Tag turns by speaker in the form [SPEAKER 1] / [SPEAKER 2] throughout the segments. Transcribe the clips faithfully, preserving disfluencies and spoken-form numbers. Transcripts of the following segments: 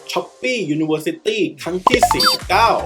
[SPEAKER 1] Shopee University ครั้งที่สี่สิบเก้า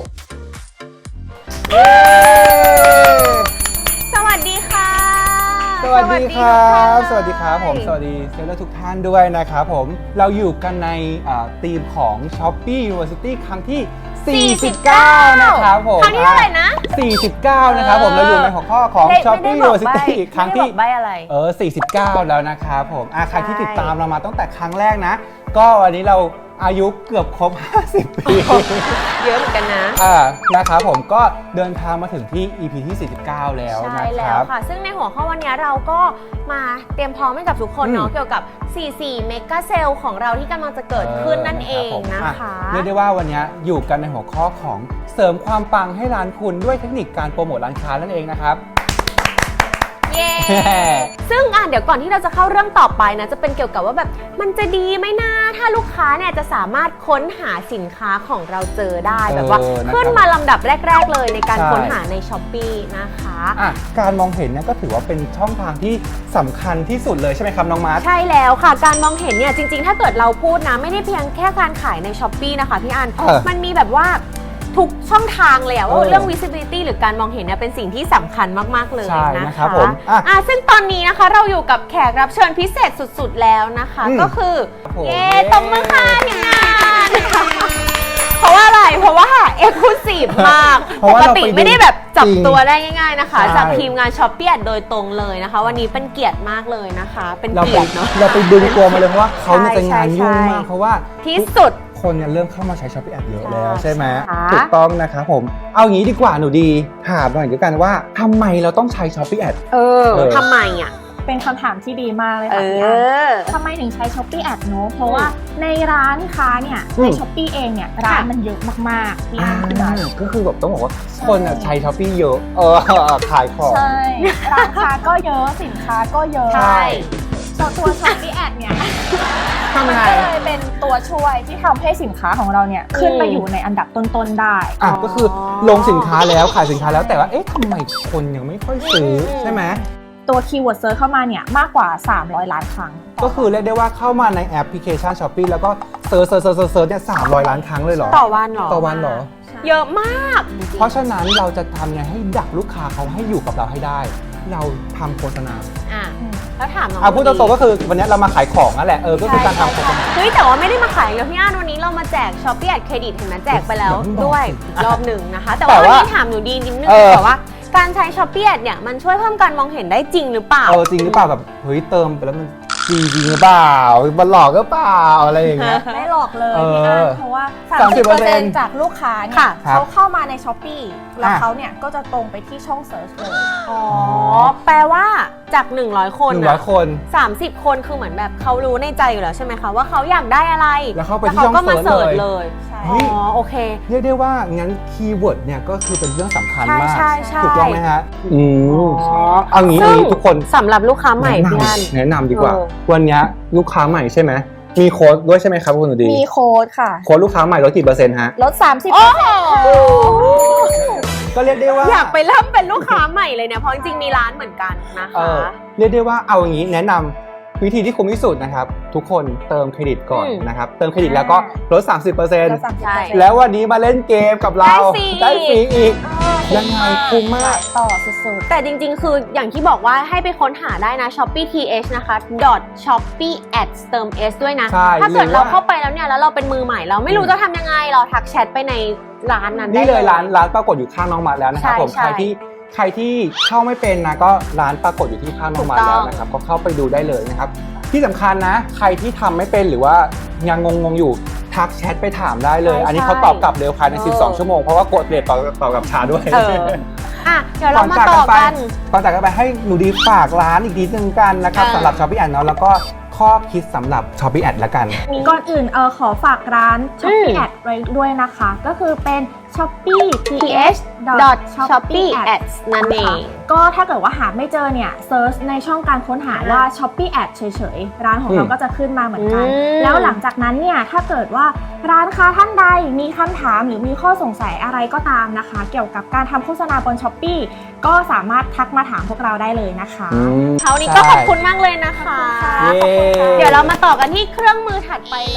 [SPEAKER 2] สวัสดีค่ะ
[SPEAKER 3] สวัสดีครับสวัสดีครับผมสวัสดีเซลล์ทุกท่านด้วยนะครับผมเราอยู่กันในธีมของ Shopee University ครั้งที่สี่สิบเก้านะครับผม
[SPEAKER 2] ครั้งที่เท่าไหร่นะ
[SPEAKER 3] สี่สิบเก้านะครับผมเราอยู่ในหัวข้อของ Shopee University ครั้งที่เออสี่สิบเก้าแล้วนะครับผมใครที่ติดตามเรามาตั้งแต่ครั้งแรกนะก็วันนี้เราอายุเกือบครบห้าสิบปี
[SPEAKER 2] เยอะเหมือนกันนะ
[SPEAKER 3] อ่านะครับผมก็เดินทางมาถึงที่ อี พี ที่สี่สิบเก้าแล้วนะครับใช่แล้ว
[SPEAKER 2] ค่ะซึ่งในหัวข้อวันนี้เราก็มาเตรียมพร้อมให้กับทุกคนเนาะเกี่ยวกับสี่สิบสี่เมกะเซลของเราที่กำลังจะเกิดขึ้นนั่นเองนะคะ
[SPEAKER 3] เรียกได้ว่าวันนี้อยู่กันในหัวข้อของเสริมความปังให้ร้านคุณด้วยเทคนิคการโปรโมทร้านค้านั่นเองนะครับ
[SPEAKER 2] เย้ซึ่งอ่ะเดี๋ยวก่อนที่เราจะเข้าเรื่องต่อไปนะจะเป็นเกี่ยวกับว่าแบบมันจะดีไหมนะถ้าลูกค้าเนี่ยจะสามารถค้นหาสินค้าของเราเจอได้แบบว่าขึ้นมาลำดับแรกๆเลยในการค้นหาใน Shopee นะคะ
[SPEAKER 3] อ่ะการมองเห็นเนี่ยก็ถือว่าเป็นช่องทางที่สำคัญที่สุดเลยใช่ไหมครับน้องมาร์ท
[SPEAKER 2] ใช่แล้วค่ะการมองเห็นเนี่ยจริงๆถ้าเกิดเราพูดนะไม่ได้เพียงแค่การขายใน Shopee นะคะพี่อันมันมีแบบว่าทุกช่องทางเลยอะว่าเรื่อง visibility หรือการมองเห็นเนี่ยเป็นสิ่งที่สำคัญมากๆเลยนะคะอ่ะซึ่งตอนนี้นะคะเราอยู่กับแขกรับเชิญพิเศษสุดๆแล้วนะคะก็คือเย้ตบมือค่ะทีมงานเพราะว่าอะไรเพราะว่าเอ็กซ์คลูซีฟมากปกติไม่ได้แบบจับตัวได้ง่ายๆนะคะจากทีมงาน Shopee โดยตรงเลยนะคะวันนี้เป็นเกียรติมากเลยนะคะเป็นเกียรติเนาะ
[SPEAKER 3] เราไปดึงตัวมาเลยเพราะว่าเขาจะงานยุ่งมากเพราะว่า
[SPEAKER 2] ที่สุด
[SPEAKER 3] คนเนี่ยเริ่มเข้ามาใช้ Shopee Ads เยอะแล้วใช่ไหมถูกต้องนะครับผมเอางี้ดีกว่าหนูดีถามหน่อยดีกันว่าทำไมเราต้องใช้ Shopee Ads
[SPEAKER 2] เออทำไมอ่ะ
[SPEAKER 4] เป็นคำถามที่ดีมากเลยค่ะพี่อันทำไมถึงใช้ Shopee Ads เนอะเพราะว่าในร้านค้าเนี่ยใน Shopee เองเนี่ยร้านมันเยอะมากๆพี่อัน
[SPEAKER 3] ก็คือแบบต้องบอกว่าคนใช้ Shopee เยอะเออขายของ
[SPEAKER 4] ใช่ร้านค้าก็เยอะสินค้าก็เยอะ
[SPEAKER 2] ใช่
[SPEAKER 4] ตัว Shopee Ads เนี่ยมันก็เลยเป็นตัวช่วยที่ทำให้สินค้าของเราเนี่ยขึ้นไปอยู่ในอันดับต้นๆได้
[SPEAKER 3] อ่ะก็คือลงสินค้าแล้วขายสินค้าแล้วแต่ว่าเอ๊ะทำไมคนยังไม่ค่อยซื้อใช่ไหม
[SPEAKER 4] ตัวคีย์เวิร์ดเซิร์ชเข้ามาเนี่ยมากกว่าสามร้อยล้านครั้ง
[SPEAKER 3] ก็คือเรียกได้ว่าเข้ามาในแอปพลิเคชัน Shopee แล้วก็เซิร์ชเซิร์ชเซิร์ชเซิร์ชเนี่ยสามร้อยล้านครั้งเลยเหรอ
[SPEAKER 2] ต่อวันเหรอ
[SPEAKER 3] ต่อวันเหรอ
[SPEAKER 2] เยอะมาก
[SPEAKER 3] เพราะฉะนั้นเราจะทำไงให้ดักลูกค้าเขาให้อยู่กับเราให้ได้เราทำโฆษณา
[SPEAKER 2] อ่ะแล้วถามน้อง
[SPEAKER 3] อ่ะพูดตรงๆก็คือวันนี้เรามาขายของนั่นแหละเออก็คือการทำโฆษณา
[SPEAKER 2] เฮ้ยแต่ว่าไม่ได้มาขายเลยพี่อันวันนี้เรามาแจก Shopee Ads เครดิตเห็นไหมแจกไปแล้วด้วยรอบหนึ่งนะคะแต่ว่าวันนี้ถามหนูดีนิดนึงแต่ว่าการใช้ Shopee Ads เนี่ยมันช่วยเพิ่มการมองเห็นได้จริงหรือเปล่า
[SPEAKER 3] เออจริงหรือเปล่าแบบเฮ้ยเติมไปแล้วมันจริงจริงหรือเปล่ามันหลอกหรือเปล่าอะไรอย่างเงี้ย
[SPEAKER 4] ไม่หลอกเลยพี่อันเพราะว่าสามสิบเปอร์เซ็นต์จากลูกค้าเนี่ยเขาเข้ามาใน Shopee แล้วเขาเนี่ยก็จะตรงไปที่ช่องเซิร์ชเลย
[SPEAKER 2] อ๋อแปลว่าจากหนึ่งร้อยคน
[SPEAKER 3] หนึ่งร้อยคน
[SPEAKER 2] สามสิบคนคือเหมือนแบบเขารู้ในใจอยู่แล้วใช่ไหมคะว่าเขาอยากได้อะไร
[SPEAKER 3] แล้วเข้าไปที่ช่องเซิร์ช
[SPEAKER 2] เลยอ๋อโอเค
[SPEAKER 3] เรียกได้ว่างั้นคีย์เวิร์ดเนี่ยก็คือเป็นเรื่องสำคัญมากถูกต้องไหมฮะ
[SPEAKER 2] อื
[SPEAKER 3] มเอางี้ทุกคน
[SPEAKER 2] สำหรับลูกค้าใหม่พี่อัน
[SPEAKER 3] แนะนำดีกว่าวันนี้ลูกค้าใหม่ใช่ไหมมีโค้ดด้วยใช่ไหมครับคุณหนูดี
[SPEAKER 4] มีโค้ดค่ะ
[SPEAKER 3] โค้ดลูกค้าใหม่ลดกี่เปอร์เซ็นต์ฮะ
[SPEAKER 4] ลด สามสิบเปอร์เซ็นต์
[SPEAKER 3] ก็เรียกได้ว่า
[SPEAKER 2] อยากไปเริ่มเป็นลูกค้าใหม่เลยเนี่ยเพราะจริงๆมีร้านเหมือนกันนะคะ
[SPEAKER 3] เรียกได้ว่าเอาอย่างนี้แนะนำวิธีที่คุ้มที่สุดนะครับทุกคนเติมเครดิตก่อนนะครับเติมเครดิตแล้วก็ลด สามสิบเปอร์เซ็นต์ แล้ววันนี้มาเล่นเกมกับเราได้ฟรีอีกยังไงคุ้มมาก
[SPEAKER 4] ต่อสุด
[SPEAKER 2] ๆแต่จริงๆคืออย่างที่บอกว่าให้ไปค้นหาได้นะ Shopee ที เอช นะคะ .shopee ads เติม s ด้วยนะถ้าเกิดเราเข้าไปแล้วเนี่ยแล้วเราเป็นมือใหม่เราไม่รู้จะทำยังไงเราทักแชทไปในร้านนั้นได้
[SPEAKER 3] นี่เลยร้านร้านปรากฏอยู่ข้างน้องมาแล้วนะครับผมใครที่ใครที่เข้าไม่เป็นนะก็ร้านปรากฏอยู่ที่ข้างน้องมาแล้วนะครับก็เข้าไปดูได้เลยนะครับที่สำคัญนะใครที่ทำไม่เป็นหรือว่ายังงงๆอยู่ทักแชทไปถามได้เลยอันนี้เขาตอบกลับเร็วภายในสิบสองชั่วโมงเพราะว่ากดเรทต่อต่อกับช้าด้วย
[SPEAKER 2] อ่ะเดี๋ยวเรามาต่อกัน
[SPEAKER 3] ก่อนจากกันไปให้หนูดีฝากร้านอีกทีนึงกันนะครับสำหรับ Shopee Ads เนาะแล้วก็ข้อคิดสำหรับ Shopee Ads ละกัน
[SPEAKER 4] ก่อนอื่นเออขอฝากร้าน Shopee Ads ไว้ด้วยนะคะก็คือเป็น shopee ที เอช
[SPEAKER 2] .shopee ads นั่นเอง
[SPEAKER 4] ก็ถ้าเกิดว่าหาไม่เจอเนี่ยเซิร์ชในช่องการค้นหาว่า Shopee Ads เฉยๆร้านของเราก็จะขึ้นมาเหมือนกันแล้วหลังจากนั้นเนี่ยถ้าเกิดว่าร้านค้าท่านใดมีคำถามหรือมีข้อสงสัยอะไรก็ตามนะคะเกี่ยวกับการทำโฆษณาบน Shopee ก็สามารถทักมาถามพวกเราได้เลยนะคะ
[SPEAKER 2] คราวนี้ก็ขอบคุณมากเลยนะคะเดี๋ยวเรามาต่อกันที่เครื่องมือถัดไปเลย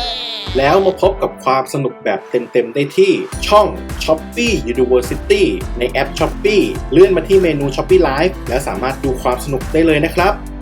[SPEAKER 1] แล้วมาพบกับความสนุกแบบเต็มๆได้ที่ช่อง Shopee University ในแอป Shopee เลื่อนมาที่เมนู Shopee Live แล้วสามารถดูความสนุกได้เลยนะครับ